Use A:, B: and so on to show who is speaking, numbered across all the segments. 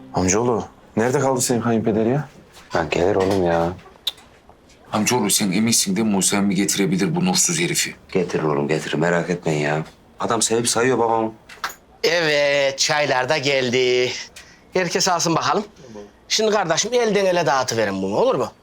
A: Amcaoğlu, nerede kaldı senin kayınpeder ya?
B: Ya gelir oğlum ya.
C: Amcaoğlu sen eminsin değil mi? Musa emmi getirebilir bu nursuz herifi.
B: Getirir oğlum getirir merak etmeyin ya. Adam sevip sayıyor babam.
D: Evet, çaylar da geldi. Herkes alsın bakalım. Şimdi kardeşim elden ele dağıtıverin bunu, olur mu?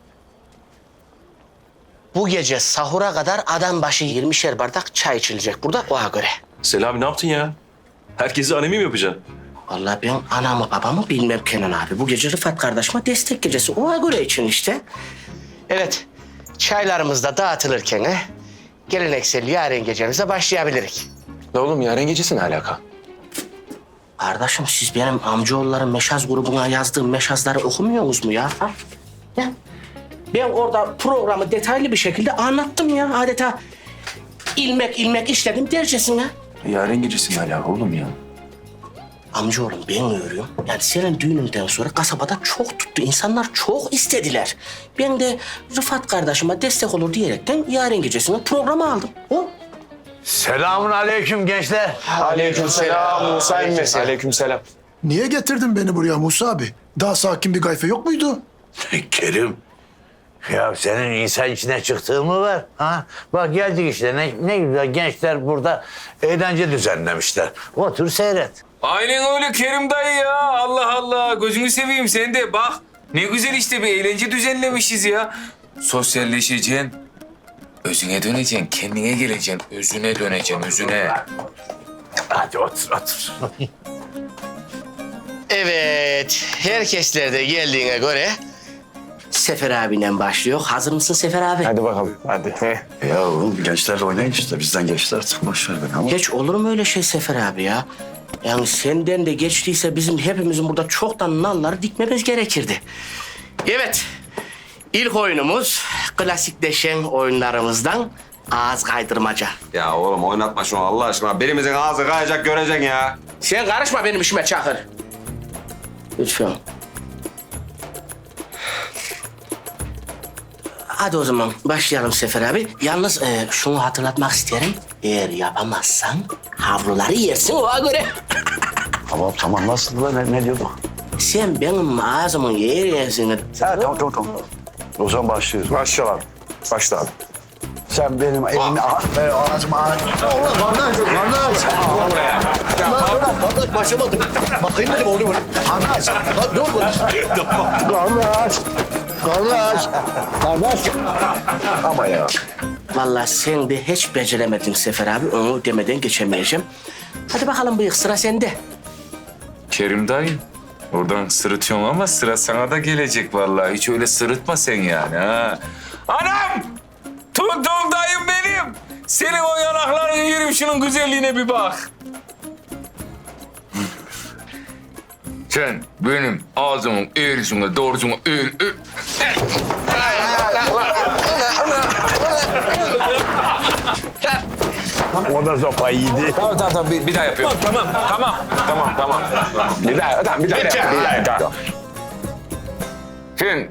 D: Bu gece sahura kadar adam başı 20'şer bardak çay içilecek burada, ona göre.
E: Selami ne yaptın ya? Herkesi anemi mi yapacaksın?
D: Vallahi ben anamı babamı bilmem Kenan abi. Bu gece Rıfat kardeşime destek gecesi, ona göre için işte. Evet, çaylarımız da dağıtılırken geleneksel yaren gecemize başlayabiliriz.
A: Ne oğlum yarın gecesi ne alaka?
D: Kardeşim siz benim amcaoğulların meşaz grubuna yazdığım meşazları okumuyorsunuz mu ya? Ha? Ya. Ben orada programı detaylı bir şekilde anlattım ya. Adeta ilmek ilmek işledim dercesine.
A: Yarın gecesi ne alaka oğlum ya?
D: Amcaoğlum ben görüyorum. Yani senin düğününden sonra kasabada çok tuttu. İnsanlar çok istediler. Ben de Rıfat kardeşime destek olur diyerekten yarın gecesine programı aldım. O.
F: Selamun aleyküm gençler.
A: Aleykümselam Musa emmi. Aleykümselam.
G: Niye getirdin beni buraya Musa abi? Daha sakin bir gayfe yok muydu?
F: Kerim. Ya senin insan içine çıktığın mı var? Ha? Bak geldik işte ne güzel gençler burada eğlence düzenlemişler. Otur seyret.
C: Aynen öyle Kerim dayı ya. Allah Allah. Gözünü seveyim sen de bak. Ne güzel işte bir eğlence düzenlemişiz ya. Sosyalleşeceksin. Özüne döneceksin, kendine geleceksin. Özüne döneceksin, özüne.
F: Hadi otur otur.
D: Evet, herkesler de geldiğine göre Sefer abiyle başlıyor. Hazır mısın Sefer abi?
A: Hadi bakalım hadi.
H: Ya oğlum gençlerle oynayın işte. Bizden geçtiler. Boş ver beni ama.
D: Geç olur mu öyle şey Sefer abi ya? Yani senden de geçtiyse bizim hepimizin burada çoktan nalları dikmemiz gerekirdi. Evet, ilk oyunumuz klasikleşen oyunlarımızdan ağız kaydırmaca.
B: Ya oğlum oynatma şunu Allah aşkına. Birimizin ağzı kayacak göreceksin ya.
D: Sen karışma benim işime Çakır. Lütfen. Hadi o zaman başlayalım Sefer abi. Yalnız şunu hatırlatmak isterim. Eğer yapamazsan havluları yersin ona göre.
H: Tamam nasıl lan ne diyorduk?
D: Sen benim ağzımın yerini...
H: Ha tamam. O zaman başlıyoruz.
A: Başlayalım. Başla abi.
H: Sen benim elimi ağzıma Allah kardeş. Kardeş başlamadım. Bakayım dedim oğlum. Kardeş. Dur. Kardeş. Ama ya.
D: Vallahi sen de hiç beceremedin Sefer abi. Onu demeden geçemeyeceğim. Hadi bakalım bıyık sıra sende.
C: Kerim dayı. Oradan sırıtıyorsun ama sıra sana da gelecek vallahi. Hiç öyle sırıtma sen yani ha. Anam! Tuttum dayım benim. Senin o yanaklarını yerim, şunun güzelliğine bir bak. Sen benim ağzımın eğrisine doğrusuna eğil.
F: O da sopa yedi.
C: Tamam bir daha yapıyorum. Tamam.
A: Bir daha yap.
C: Sen...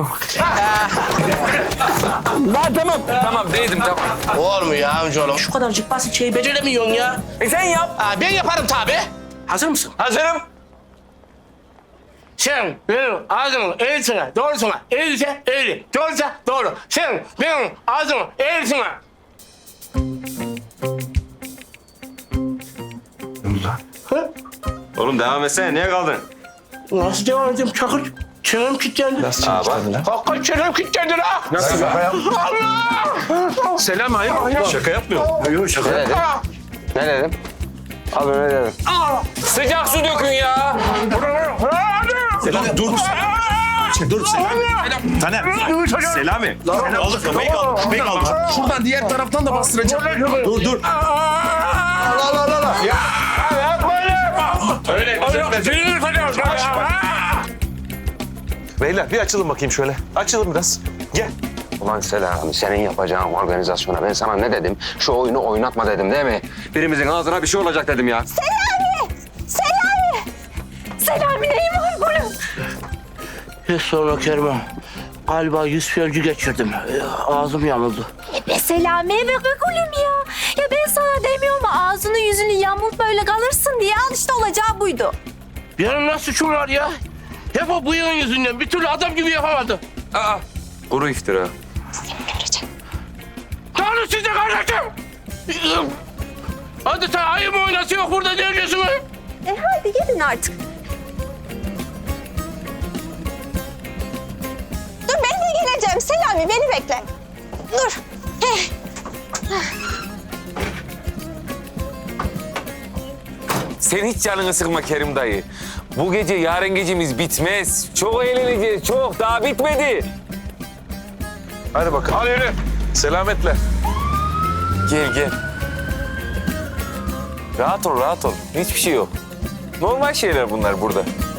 C: Tamam değdim tamam.
D: Olmuyor amcaoğlum. Şu kadarcık basit şeyi beceremiyorsun ya.
C: Sen yap.
D: Ben yaparım tabii. Hazır mısın?
C: Hazırım.
D: Sen benim ağzımın eğrisine doğrusuna eğilse eğri. Doğrusa doğru. Sen benim ağzımın eğrisine...
B: Oğlum devam etsene niye kaldın?
D: Nasıl devam edeyim Çakır? Çenem kilitlendi.
A: Nasıl çalıştırdın lan?
D: Hakikaten çenem kilitlendi ha.
A: Nasıl ya?
D: Allah!
E: Selam hayır. Şaka yapmıyorum.
H: Yok şaka.
B: Ne dedim? Abi ne dedim?
C: Sıcak su dökün ya.
E: Selami dur. Dur Selami. Taner. Selami. Aldı köpeği kaldı. Köpeği kaldı. Şuradan diğer taraftan da bastıracağım. Dur. Beyler bir açılın bakayım şöyle. Açılın biraz. Gel.
B: Ulan Selami senin yapacağın organizasyona ben sana ne dedim? Şu oyunu oynatma dedim değil mi? Birimizin ağzına bir şey olacak dedim ya.
I: Selami neyin var bunun?
D: Hiç sorma Kerman. Galiba yüz felci geçirdim. Ağzım yamuldu.
I: Selami'ye bak oğlum ya. Ya ben sana demiyorum mu ağzını yüzünü yamult böyle kalırsın diye al işte olacağı buydu.
D: Benim nasıl suçum var ya? Hep o bıyığın yüzünden bir türlü adam gibi yapamadı.
C: Aa, kuru iftira.
D: Tanrı size kardeşim. Hadi sen ayı mı oynası yok burada ne diyorsunuz?
I: Hadi gidin artık.
J: Dur ben de geleceğim. Selami beni bekle. Dur.
C: Sen hiç canını sıkma Kerim dayı. Bu gece yarın gecemiz bitmez. Çok eğleneceğiz, çok. Daha bitmedi.
A: Hadi bakalım. Hadi yürü. Selametle.
C: Gel, gel. Rahat ol, rahat ol. Hiçbir şey yok. Normal şeyler bunlar burada.